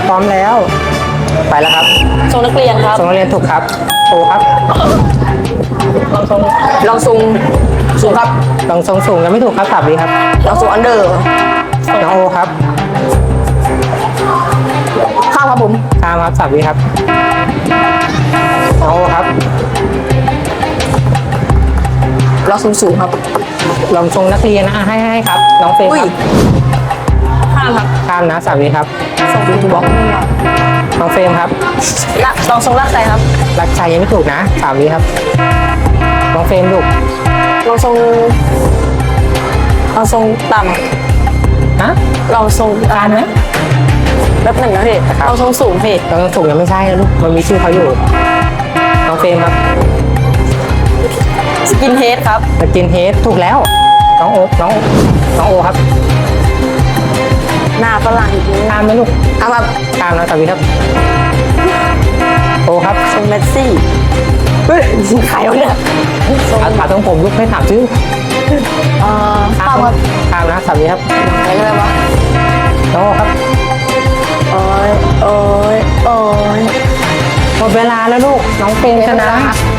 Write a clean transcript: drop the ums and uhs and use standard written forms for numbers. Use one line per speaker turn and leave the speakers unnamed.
พร้อมแล้ว ไปแล้วครับ
ทรงนักเรียนครับ
ส่งนักเรียนถูกครับโอครับ
ลองทรงสูงครับ
ลองทรงสูงยังไม่ถูกครับสับดีครับ
ลองทรงอันเดอร์
น้องโอครับ
ข้ามครับผม
ตามครับสับดีครับน้องโอครับ
ลองสูงครับ
ลองทรงนักเรียนนะให้ครับ น้องเฟรม
อุ้ย
ครับ
ข้ามครับ
ข้ามนะสับดีครับ
ทรงทูบ็อก
น้องเฟรมครับ
ลองทรงลากใจครับ
รักชัยยังไม่ถูกนะสามนี้ครับน้องเฟรมลูก
ลองทรงต่ำ
ฮะ
ลองทรง
ทานไหม
แบบหนึ่งนะพี่
ครับ
ลองทรงสูงพี่
ตอนสูงยังไม่ใช่นะลูกมันมีชื่อเขาอยู่น้องเฟรมครับ
สกินเฮดครับ
สกินเฮดถูกแล้วน้องโอน้องโอครับ
หน้าฝรั่งอีกนิด
ข้ามไหมลูก
เอาแบบ
ข้ามนะสามนี้ครับโอครับ
ทรงเมสซี่เฮ้ยใครวะเนี่ยทรง
เอาต้องผมลูกให้ถามชื่อ
ข้ามครับ
ข้ามนะสามนี้ครับ
ใครก็ได้วะ
น้องโอครับ
โอ้ย
หมดเวลาแล้วลูกน้องเฟรมชนะ